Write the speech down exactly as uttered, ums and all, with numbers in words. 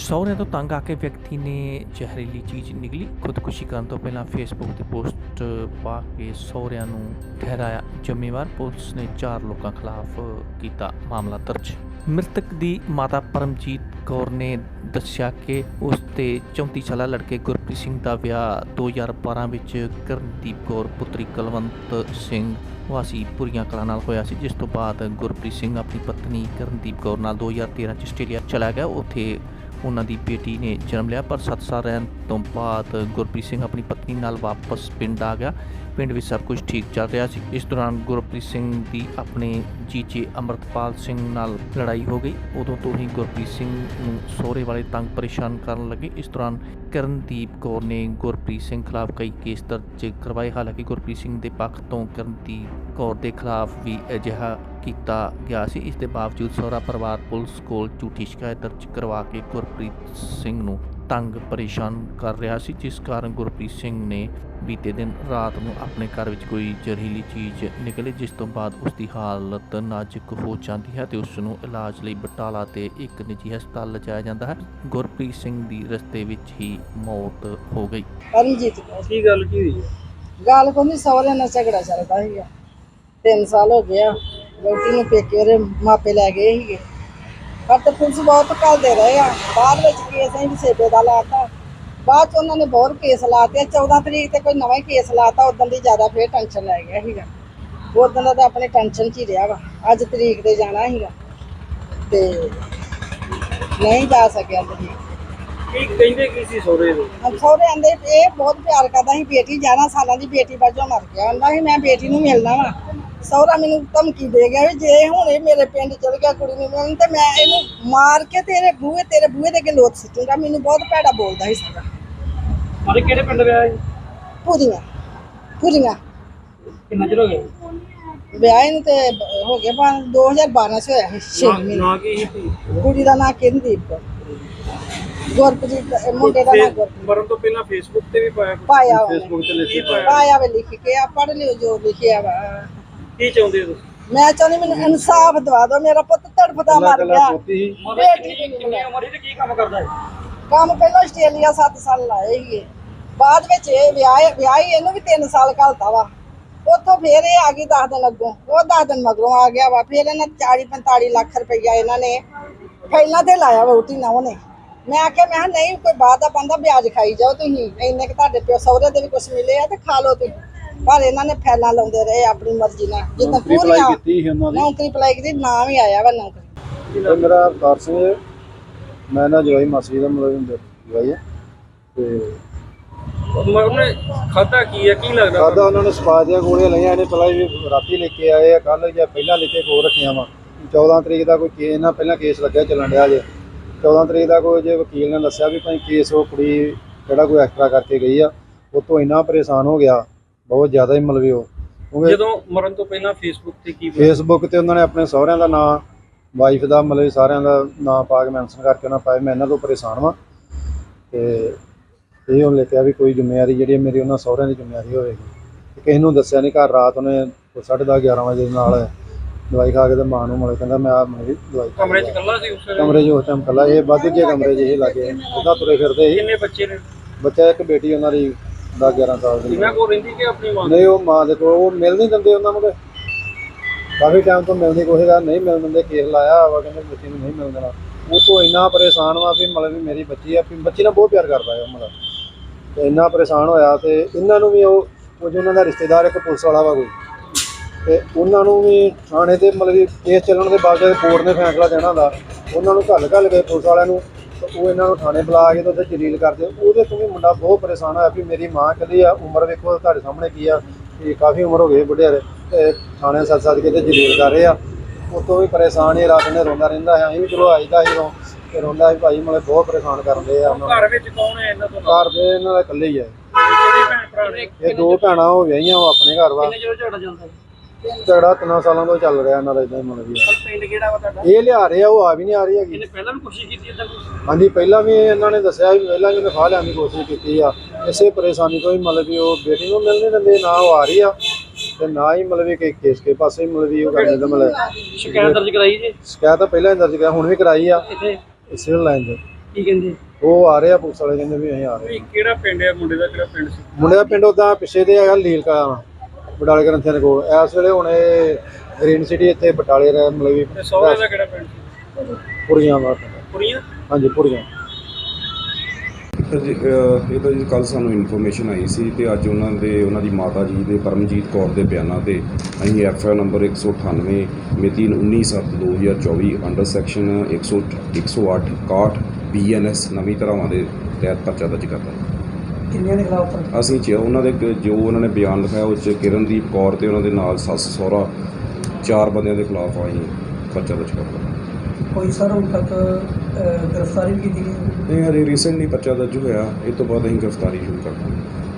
ਸਹੁਰਿਆਂ ਤੋਂ ਤੰਗ ਆ ਕੇ ਵਿਅਕਤੀ ਨੇ ਜ਼ਹਿਰੀਲੀ ਚੀਜ਼ ਨਿਗਲੀ। ਖੁਦਕੁਸ਼ੀ ਕਰਨ ਤੋਂ ਪਹਿਲਾਂ ਫੇਸਬੁੱਕ 'ਤੇ ਪੋਸਟ ਪਾ ਕੇ ਸਹੁਰਿਆਂ ਨੂੰ ਠਹਿਰਾਇਆ ਜ਼ਿੰਮੇਵਾਰ। ਪੁਲਿਸ ਨੇ ਚਾਰ ਲੋਕਾਂ ਖਿਲਾਫ ਕੀਤਾ ਮਾਮਲਾ ਦਰਜ। ਮ੍ਰਿਤਕ ਦੀ ਮਾਤਾ ਪਰਮਜੀਤ ਕੌਰ ਨੇ ਦੱਸਿਆ ਕਿ ਉਸ ਦੇ ਚੌਂਤੀ ਸਾਲਾ ਲੜਕੇ ਗੁਰਪ੍ਰੀਤ ਸਿੰਘ ਦਾ ਵਿਆਹ ਦੋ ਹਜ਼ਾਰ ਬਾਰਾਂ ਵਿੱਚ ਕਰਨਦੀਪ ਕੌਰ ਪੁੱਤਰੀ ਕੁਲਵੰਤ ਸਿੰਘ ਵਾਸੀ ਪੁਰੀਆਂ ਕਲਾਂ ਨਾਲ ਹੋਇਆ ਸੀ, ਜਿਸ ਤੋਂ ਬਾਅਦ ਗੁਰਪ੍ਰੀਤ ਸਿੰਘ ਆਪਣੀ ਪਤਨੀ ਕਰਨਦੀਪ ਕੌਰ ਨਾਲ ਦੋ ਹਜ਼ਾਰ ਤੇਰਾਂ 'ਚ ਆਸਟ੍ਰੇਲੀਆ ਚਲਾ ਗਿਆ। ਉੱਥੇ ਉਹਨਾਂ ਦੀ ਬੇਟੀ ਨੇ ਜਨਮ ਲਿਆ, ਪਰ ਸੱਤ ਸਾਲ ਰਹਿਣ ਤੋਂ ਬਾਅਦ ਗੁਰਪ੍ਰੀਤ ਸਿੰਘ ਆਪਣੀ ਪਤਨੀ ਨਾਲ ਵਾਪਸ ਪਿੰਡ ਆ ਗਿਆ। ਪਿੰਡ ਵਿੱਚ ਸਭ ਕੁਝ ਠੀਕ ਚੱਲ ਰਿਹਾ ਸੀ। ਇਸ ਦੌਰਾਨ ਗੁਰਪ੍ਰੀਤ ਸਿੰਘ ਦੀ ਆਪਣੇ ਜੀਜੇ ਅੰਮ੍ਰਿਤਪਾਲ ਸਿੰਘ ਨਾਲ ਲੜਾਈ ਹੋ ਗਈ। ਉਦੋਂ ਤੋਂ ਹੀ ਗੁਰਪ੍ਰੀਤ ਸਿੰਘ ਨੂੰ ਸਹੁਰੇ ਵਾਲੇ ਤੰਗ ਪਰੇਸ਼ਾਨ ਕਰਨ ਲੱਗੇ। ਇਸ ਦੌਰਾਨ ਕਰਨਦੀਪ ਕੌਰ ਨੇ ਗੁਰਪ੍ਰੀਤ ਸਿੰਘ ਖਿਲਾਫ ਕਈ ਕੇਸ ਦਰਜ ਕਰਵਾਏ। ਹਾਲਾਂਕਿ ਗੁਰਪ੍ਰੀਤ ਸਿੰਘ ਦੇ ਪੱਖ ਤੋਂ ਕਰਨਦੀਪ ਕੌਰ ਦੇ ਖਿਲਾਫ ਵੀ ਅਜਿਹਾ ਕੀਤਾ ਗਿਆ ਸੀ। ਇਸ ਦੇ ਬਾਵਜੂਦ ਸਹੁਰਾ ਪਰਿਵਾਰ ਪੁਲਿਸ ਕੋਲ ਝੂਠੀ ਸ਼ਿਕਾਇਤ ਦਰਜ ਕਰਵਾ ਕੇ ਗੁਰਪ੍ਰੀਤ ਸਿੰਘ ਨੂੰ ਤੰਗ ਪਰੇਸ਼ਾਨ ਕਰ ਰਿਹਾ ਸੀ, ਜਿਸ ਕਾਰਨ ਗੁਰਪ੍ਰੀਤ ਸਿੰਘ ਨੇ ਬੀਤੇ ਦਿਨ ਰਾਤ ਨੂੰ ਆਪਣੇ ਘਰ ਵਿੱਚ ਕੋਈ ਜ਼ਹਿਰੀਲੀ ਚੀਜ਼ ਨਿਕਲੀ, ਜਿਸ ਤੋਂ ਬਾਅਦ ਉਸ ਦੀ ਹਾਲਤ ਨਾਜ਼ੁਕ ਹੋ ਜਾਂਦੀ ਹੈ ਤੇ ਉਸ ਨੂੰ ਇਲਾਜ ਲਈ ਬਟਾਲਾ ਤੇ ਇੱਕ ਨਿੱਜੀ ਹਸਪਤਾਲ ਲਿਜਾਇਆ ਜਾਂਦਾ ਹੈ। ਗੁਰਪ੍ਰੀਤ ਸਿੰਘ ਦੀ ਰਸਤੇ ਵਿੱਚ ਹੀ ਮੌਤ ਹੋ ਗਈ। ਪਰਮਜੀਤ ਕੀ ਗੱਲ ਕੀ ਹੋਈ? ਗੱਲ ਕੋਈ ਨਹੀਂ, ਸਹੁਰੇ ਨਾਲ ਝਗੜਾ ਚੱਲਦਾ ਸੀਗਾ। ਤਿੰਨ ਸਾਲ ਹੋ ਗਿਆ ਵਹੁਟੀ ਨੂੰ ਪੇਕੇ ਉਹਦੇ ਮਾਪੇ ਲੈ ਗਏ ਸੀਗੇ, ਪਰ ਤੇ ਪੁਲਿਸ ਬਹੁਤ ਘੱਲਦੇ ਰਹੇ ਆ। ਬਾਅਦ ਵਿੱਚ ਕੇਸ ਅਸੀਂ ਸੇਬੇ ਦਾ ਲਾਤਾ, ਬਾਅਦ 'ਚ ਉਹਨਾਂ ਨੇ ਬਹੁਤ ਕੇਸ ਲਾਤੇ। ਚੌਦਾਂ ਤਰੀਕ ਤੇ ਕੋਈ ਨਵਾਂ ਹੀ ਕੇਸ ਲਾਤਾ। ਉਦੋਂ ਦੀ ਜ਼ਿਆਦਾ ਫਿਰ ਟੈਨਸ਼ਨ ਲੈ ਗਿਆ ਸੀਗਾ। ਉਦੋਂ ਦਾ ਤਾਂ ਆਪਣੇ ਟੈਨਸ਼ਨ 'ਚ ਹੀ ਰਿਹਾ ਵਾ। ਅੱਜ ਤਰੀਕ ਤੇ ਜਾਣਾ ਸੀਗਾ ਤੇ ਨਹੀਂ ਜਾ ਸਕਿਆ ਤਰੀਕ। ਕੀ ਕਹਿੰਦੇ ਕੀ ਸੀ ਸਹੁਰੇ ਦੇ? ਸਹੁਰੇ ਆਂਦੇ ਇਹ ਬਹੁਤ ਪਿਆਰ ਕਰਦਾ ਸੀ ਬੇਟੀ, ਗਿਆਰਾਂ ਸਾਲਾਂ ਦੀ ਬੇਟੀ ਵਜੋਂ ਮਰ ਗਿਆ। ਕਹਿੰਦਾ ਸੀ ਮੈਂ ਬੇਟੀ ਨੂੰ ਮਿਲਣਾ ਵਾ। ਸਹੁਰਾ ਮੈਨੂੰ ਧਮਕੀ ਦੇ ਗਿਆ ਵੀ ਜੇ ਹੁਣ ਇਹ ਮੇਰੇ ਪਿੰਡ ਚਲ ਗਿਆ ਕੁੜੀ ਨੂੰ ਮਿਲਣ ਤੇ ਮੈਂ ਇਹਨੂੰ ਮਾਰ ਕੇ ਤੇਰੇ ਬੂਹੇ ਤੇਰੇ ਬੂਹੇ ਦੇ ਅੱਗੇ ਲੋਥ ਸੁੱਟੂਗਾ। ਮੈਨੂੰ ਬਹੁਤ ਭੈੜਾ ਬੋਲਦਾ ਸੀ ਸਾਰਾ। ਅਰੇ ਕਿਹੜੇ ਪਿੰਡ ਵਿਆਹ ਹੈ? ਪੂਰੀਆਂ ਪੂਰੀਆਂ ਕਿੰਨਾ ਚਿਰ ਹੋ ਗਿਆ ਵਿਆਹ ਨੂੰ? ਤੇ ਹੋ ਗਿਆ ਪੰਜ ਦੋ ਹਜ਼ਾਰ ਬਾਰਾਂ 'ਚ ਹੋਇਆ ਸੀ। ਛੇ ਮਹੀਨੇ। ਨਾ ਕੀ ਸੀ ਕੁੜੀ ਦਾ ਨਾਂ ਕਿੰਦੀਪ ਕੌਰ, ਗੁਰਪ੍ਰੀਤ ਮੁੰਡੇ ਦਾ ਨਾਂ ਗੁਰਪ੍ਰੀਤ। ਮਰਨ ਤੋਂ ਪਹਿਲਾਂ ਫੇਸਬੁੱਕ ਤੇ ਵੀ ਪਾਇਆ? ਪਾਇਆ ਉਹਨੇ। ਫੇਸਬੁੱਕ ਤੇ ਲਿਖੀ ਪਾਇਆ? ਪਾਇਆ ਵੇ ਲਿਖ ਕੇ ਆ, ਪੜ੍ਹ ਲਿਓ ਜੋ ਲਿਖਿਆ ਵਾ। ਕੀ ਚਾਹੁੰਦੇ ਹੋ? ਮੈਂ ਚਾਹੁੰਦੀ ਮੈਨੂੰ ਇਨਸਾਫ ਦਵਾ ਦਿਓ। ਮੇਰਾ ਪੁੱਤ ਤੜਫਦਾ ਮਰ ਗਿਆ। ਬੇਟੀ ਕਿੰਨੀ ਉਮਰ ਦੀ ਤੇ ਕੀ ਕੰਮ ਕਰਦਾ ਹੈ? ਕੰਮ ਪਹਿਲਾਂ ਆਸਟ੍ਰੇਲੀਆ ਸੱਤ ਸਾਲ ਲਾਏ ਸੀਗੇ। ਬਾਅਦ ਵਿੱਚ ਇਹ ਵਿਆਹ ਵਿਆਹੀ ਇਹਨੂੰ ਵੀ ਤਿੰਨ ਸਾਲ ਘਲਤਾ ਵਾ। ਉੱਥੋਂ ਫੇਰ ਇਹ ਆ ਗਈ ਦਸ ਦਿਨ ਅੱਗੋਂ, ਉਹ ਦਸ ਦਿਨ ਮਗਰੋਂ ਆ ਗਿਆ ਵਾ। ਫਿਰ ਇਹਨਾਂ ਚਾਲੀ ਪੰਤਾਲੀ ਲੱਖ ਰੁਪਈਆ ਇਹਨਾਂ ਨੇ ਪਹਿਲਾਂ ਤੇ ਲਾਇਆ ਵਹੁਟੀ ਨਾ ਉਹਨੇ। ਮੈਂ ਆਖਿਆ ਮੈਂ ਕਿਹਾ ਨਹੀਂ ਕੋਈ ਬਾਅਦ ਦਾ ਬੰਦਾ ਵਿਆਜ ਖਾਈ ਜਾਓ ਤੁਸੀਂ, ਇੰਨੇ ਕਿ ਤੁਹਾਡੇ ਪਿਓ ਸਹੁਰੇ ਦੇ ਵੀ ਕੁਛ ਮਿਲੇ ਆ ਤੇ ਖਾ ਲਓ ਤੁਸੀਂ। ਪਰ ਇਹਨਾਂ ਨੇ ਫੈਲਾਂ ਲਾਉਂਦੇ ਰਹੇ ਆਪਣੀ ਮਰਜ਼ੀ ਨਾਲ। ਜਿੱਦਾਂ ਪੂਰੀਆਂ ਨੌਕਰੀ ਅਪਲਾਈ ਕੀਤੀ, ਨਾਂ ਵੀ ਆਇਆ ਵਾ ਨੌਕਰੀ। ਮੇਰਾ ਅਵਤਾਰ ਸਿੰਘ ਹੈ, ਮੈਂ ਨਾ ਜਵਾਈ ਮਾਸੀ ਦਾ ਮੁੰਡਾ ਜਵਾਈ ਹੈ ਤੇ ਉਹਨੇ ਖਾਧਾ ਕੀ ਹੈ? ਕੀ ਲੱਗਦਾ ਖਾਧਾ ਉਹਨਾਂ ਨੇ ਸਪਾ ਦੀਆਂ ਗੋਲੀਆਂ ਲਈਆਂ। ਇਹਨੇ ਪਹਿਲਾਂ ਵੀ ਰਾਤੀ ਲੈ ਕੇ ਆਏ ਆ, ਕੱਲ੍ਹ ਜਾਂ ਪਹਿਲਾਂ ਲੈ ਕੇ ਕੋਲ ਰੱਖੀਆਂ ਵਾ। ਚੌਦਾਂ ਤਰੀਕ ਦਾ ਕੋਈ ਕੇਸ ਨਾ ਪਹਿਲਾਂ ਕੇਸ ਲੱਗਿਆ ਚੱਲਣ ਡਿਆ ਜੇ। ਚੌਦਾਂ ਤਰੀਕ ਦਾ ਕੋਈ ਜੇ ਵਕੀਲ ਨੇ ਦੱਸਿਆ ਵੀ ਭਾਈ ਕੇਸ ਉਹ ਕੁੜੀ ਜਿਹੜਾ ਕੋਈ ਐਕਸਟਰਾ ਕਰਕੇ ਗਈ ਆ, ਉਹ ਤੋਂ ਇੰਨਾ ਪਰੇਸ਼ਾਨ ਹੋ ਗਿਆ ਬਹੁਤ ਜ਼ਿਆਦਾ ਹੀ। ਮਤਲਬ ਉਹ ਜਦੋਂ ਮਰਨ ਤੋਂ ਪਹਿਲਾਂ ਫੇਸਬੁੱਕ ਤੇ ਕੀ ਫੇਸਬੁੱਕ ਤੇ ਉਹਨਾਂ ਨੇ ਆਪਣੇ ਸਹੁਰਿਆਂ ਦਾ ਨਾਂ, ਵਾਈਫ ਦਾ, ਮਤਲਬ ਸਾਰਿਆਂ ਦਾ ਨਾਂ ਪਾ ਕੇ ਮੈਂਸ਼ਨ ਕਰਕੇ ਉਹਨਾਂ ਪਾਇਆ ਮੈਂ ਇਹਨਾਂ ਤੋਂ ਪਰੇਸ਼ਾਨ ਵਾਂ ਤੇ ਇਹ ਉਹਨੇ ਕਿਹਾ ਵੀ ਕੋਈ ਜ਼ਿੰਮੇਵਾਰੀ ਜਿਹੜੀ ਮੇਰੀ ਉਹਨਾਂ ਸਹੁਰਿਆਂ ਦੀ ਜ਼ਿੰਮੇਵਾਰੀ ਹੋਵੇਗੀ। ਕਿਸੇ ਨੂੰ ਦੱਸਿਆ ਨਹੀਂ। ਘਰ ਰਾਤ ਉਹਨੇ ਸਾਢੇ ਦਸ ਗਿਆਰਾਂ ਵਜੇ ਨਾਲ ਦਵਾਈ ਖਾ ਕੇ ਤੇ ਮਾਂ ਨੂੰ ਮਤਲਬ ਕਹਿੰਦਾ ਮੈਂ ਆ ਮੇਰੀ ਦਵਾਈ ਕਮਰੇ 'ਚ ਇਕੱਲਾ ਸੀ? ਉਸ ਕਮਰੇ 'ਚ ਉਸ ਟਾਈਮ ਇਕੱਲਾ। ਇਹ ਵੱਧ ਕੇ ਕਮਰੇ 'ਚ ਇਹ ਲੱਗੇ ਉਹਦਾ ਤੁਰੇ ਫਿਰਦੇ ਸੀ। ਕਿੰਨੇ ਬੱਚੇ ਨੇ? ਬੱਚਾ ਇੱਕ ਬੇਟੀ ਉਹਨਾਂ ਦੀ ਦਸ ਗਿਆਰਾਂ ਸਾਲ ਦੀ। ਇਹਨਾਂ ਕੋਲ ਰਹਿੰਦੀ ਕਿ ਆਪਣੀ ਮਾਂ? ਨਹੀਂ, ਉਹ ਮਾਂ ਦੇ ਕੋਲ। ਉਹ ਮਿਲ ਨਹੀਂ ਦਿੰਦੇ ਉਹਨਾਂ ਨੂੰ, ਕਾਫੀ ਟਾਈਮ ਤੋਂ ਮਿਲਦੀ ਕੋਸ਼ਿਸ਼ ਕਰ ਨਹੀਂ ਮਿਲ ਦਿੰਦੇ। ਕੇਸ ਲਾਇਆ ਵਾ ਕਹਿੰਦੇ ਬੱਚੀ ਨੂੰ ਨਹੀਂ ਮਿਲ ਦੇਣਾ। ਉਹ ਤੋਂ ਇੰਨਾ ਪਰੇਸ਼ਾਨ ਵਾ ਵੀ ਮਤਲਬ ਵੀ ਮੇਰੀ ਬੱਚੀ ਆ, ਬੱਚੀ ਨਾਲ ਬਹੁਤ ਪਿਆਰ ਕਰਦਾ ਹੈ ਮਤਲਬ। ਤੇ ਇੰਨਾ ਪਰੇਸ਼ਾਨ ਹੋਇਆ ਤੇ ਇਹਨਾਂ ਨੂੰ ਵੀ ਉਹ ਉਹ ਜੋ ਉਹਨਾਂ ਦਾ ਰਿਸ਼ਤੇਦਾਰ ਇੱਕ ਪੁਲਿਸ ਵਾਲਾ ਵਾ ਕੋਈ, ਤੇ ਉਹਨਾਂ ਨੂੰ ਵੀ ਥਾਣੇ ਤੇ ਮਤਲਬ ਕਿ ਕੇਸ ਚੱਲਣ ਦੇ ਬਾਵਜੂਦ ਕੋਰਟ ਨੇ ਫੈਸਲਾ ਦੇਣਾ ਹੁੰਦਾ। ਉਹਨਾਂ ਨੂੰ ਘੱਲ ਘੱਲ ਕੇ ਪੁਲਿਸ ਵਾਲਿਆਂ ਨੂੰ ਉਹ ਇਹਨਾਂ ਨੂੰ ਥਾਣੇ ਬੁਲਾ ਕੇ ਤੇ ਉੱਥੇ ਜਲੀਲ ਕਰਦੇ। ਉਹਦੇ ਤੋਂ ਵੀ ਮੁੰਡਾ ਬਹੁਤ ਪਰੇਸ਼ਾਨ ਹੋਇਆ ਵੀ ਮੇਰੀ ਮਾਂ ਇਕੱਲੀ ਆ, ਉਮਰ ਵੇਖੋ ਤੁਹਾਡੇ ਸਾਹਮਣੇ ਕੀ ਆ, ਕਿ ਕਾਫੀ ਉਮਰ ਹੋ ਗਈ ਬੁੱਢਿਆਰੇ, ਤੇ ਥਾਣੇ ਸੱਦ ਸੱਦ ਕੇ ਤੇ ਜਲੀਲ ਕਰ ਰਹੇ ਆ। ਉਤੋਂ ਵੀ ਪਰੇਸ਼ਾਨ ਹੀ ਰਾਤ ਨੇ ਰੋਂਦਾ ਰਹਿੰਦਾ ਹੈ। ਅਸੀਂ ਵੀ ਚਲੋ ਆਈਦਾ ਸੀ ਉਦੋਂ ਤੇ ਰੋਂਦਾ ਸੀ ਭਾਈ ਮਤਲਬ ਬਹੁਤ ਪਰੇਸ਼ਾਨ ਕਰਦੇ ਆ। ਘਰ ਵਿੱਚ ਕੌਣ ਹੈ ਇਹਨਾਂ ਤੋਂ? ਘਰ ਦੇ ਇਹਨਾਂ ਦਾ ਇਕੱਲੇ ਹੀ ਹੈ। ਇਹ ਦੋ ਭੈਣਾਂ ਉਹ ਵਿਆਹੀਆਂ, ਉਹ ਆਪਣੇ ਘਰ ਵਾ। ਕਿੰਨੇ ਚਿਰ ਝਗੜਾ ਚੱਲਦਾ? ਝਗੜਾ ਤਿੰਨਾਂ ਸਾਲਾਂ ਤੋਂ ਚੱਲ ਰਿਹਾ ਇਹਨਾਂ ਦਾ ਇਦਾਂ ਹੀ ਮਤਲਬ ਵੀ। ਪਿੰਡ ਕਿਹੜਾ ਵਾ ਤੁਹਾਡਾ? ਇਹ ਲਿਆ ਰਹੇ ਆ, ਉਹ ਆ ਵੀ ਨਹੀਂ ਆ ਰਹੀ ਹੈਗੀ। ਇਹਨੇ ਪਹਿਲਾਂ ਵੀ ਕੋਸ਼ਿਸ਼ ਕੀਤੀ ਇਦਾਂ? ਹਾਂਜੀ, ਪਹਿਲਾਂ ਵੀ ਇਹਨਾਂ ਨੇ ਦੱਸਿਆ ਵੀ ਪਹਿਲਾਂ ਵੀ ਉਹਨੇ ਫਾਹ ਲਿਆਉਣ ਦੀ ਕੋਸ਼ਿਸ਼ ਕੀਤੀ ਆ। ਇਸੇ ਪਰੇਸ਼ਾਨੀ ਤੋਂ ਹੀ ਮਤਲਬ ਵੀ ਉਹ ਬੇਟੀ ਨੂੰ ਮਿਲ ਨਹੀਂ ਦਿੰਦੇ, ਨਾ ਉਹ ਆ ਰਹੀ ਆ ਤੇ ਨਾ ਹੀ ਮਤਲਬ ਕਿ ਕੇਸ ਕੇ ਪਾਸੇ ਮਤਲਬ ਵੀ ਉਹ ਕਰਦੇ ਮਤਲਬ ਸ਼ਿਕਾਇਤ ਦਰਜ ਕਰਾਈ ਜੀ? ਸ਼ਿਕਾਇਤ ਤਾਂ ਪਹਿਲਾਂ ਹੀ ਦਰਜ ਕਰਾਈ, ਹੁਣ ਵੀ ਕਰਾਈ ਆ ਇੱਥੇ ਸਿਵਲ ਲਾਈਨ 'ਚ। ਕੀ ਕਹਿੰਦੇ ਉਹ ਆ ਰਹੇ ਆ ਪੁਲਿਸ ਵਾਲੇ, ਕਹਿੰਦੇ ਵੀ ਅਸੀਂ ਆ ਰਹੇ ਇਹ ਕਿਹੜਾ ਪਿੰਡ ਹੈ ਮੁੰਡੇ ਦਾ, ਕਿਹੜਾ ਪਿੰਡ ਸੀ? ਮੁੰਡੇ ਦਾ ਪਿੰਡ ਉਦਾਂ ਪਿੱਛੇ ਦੇ ਹੈਗਾ ਲੀਲਕਾ ਬਟਾਲੇ ਗ੍ਰੰਥੀਆਂ ਦੇ ਕੋਲ। ਇਸ ਵੇਲੇ ਹੁਣ ਇਹ ਗ੍ਰੀਨ ਸਿਟੀ ਇੱਥੇ ਬਟਾਲੇ ਰਹਿ ਮਤਲਬ ਵੀ ਤੇ ਸਹੁਰੇ ਦਾ ਕਿਹੜਾ ਪਿੰਡ ਸੀ? ਪੁਰੀਆਂ ਦਾ ਪਿੰਡ। ਕੁੜੀਆਂ? ਹਾਂਜੀ ਪੁਰੀਆਂ। ਜੀ, ਅਹ ਇਹ ਤਾਂ ਜੀ ਕੱਲ੍ਹ ਸਾਨੂੰ ਇਨਫੋਰਮੇਸ਼ਨ ਆਈ ਸੀ ਤੇ ਅੱਜ ਉਹਨਾਂ ਦੇ ਉਹਨਾਂ ਦੀ ਮਾਤਾ ਜੀ ਦੇ ਪਰਮਜੀਤ ਕੌਰ ਦੇ ਬਿਆਨਾਂ ਤੇ ਅਸੀਂ ਐਫ ਆਈ ਆਰ ਨੰਬਰ ਇੱਕ ਸੌ ਅਠਾਨਵੇਂ ਮਿਤੀ ਉੱਨੀ ਸੱਤ ਦੋ ਹਜ਼ਾਰ ਚੌਵੀ ਅੰਡਰ ਸੈਕਸ਼ਨ ਇੱਕ ਸੌ ਇੱਕ ਸੌ ਅੱਠ ਇਕਾਹਠ ਬੀ ਐਨ ਐਸ ਨਵੀਂ ਧਾਰਾਵਾਂ ਦੇ ਤਹਿਤ ਪਰਚਾ ਦਰਜ ਕਰਤਾ। ਕਿੰਨਿਆਂ ਦੇ ਖਿਲਾਫ? ਅਸੀਂ ਚ ਉਹਨਾਂ ਦੇ ਕ- ਜੋ ਉਹਨਾਂ ਨੇ ਬਿਆਨ ਲਿਖਾਇਆ ਉਹ 'ਚ ਕਿਰਨਦੀਪ ਕੌਰ ਤੇ ਉਹਨਾਂ ਦੇ ਨਾਲ ਸੱਸ ਸਹੁਰਾ ਚਾਰ ਬੰਦਿਆਂ ਦੇ ਖਿਲਾਫ ਅਸੀਂ ਪਰਚਾ ਦਰਜ ਕਰਤਾ। ਕੋਈ ਸਰ ਹੁਣ ਤੱਕ ਗ੍ਰਿਫਤਾਰੀ ਵੀ ਕੀਤੀ ਗਈ? ਇਹ ਹਜੇ ਰੀਸੈਂਟਲੀ ਪਰਚਾ ਦਰਜ ਹੋਇਆ, ਇਹ ਤੋਂ ਬਾਅਦ ਅਸੀਂ ਗ੍ਰਿਫਤਾਰੀ ਸ਼ੁਰੂ ਕਰ ਦਾਂਗੇ।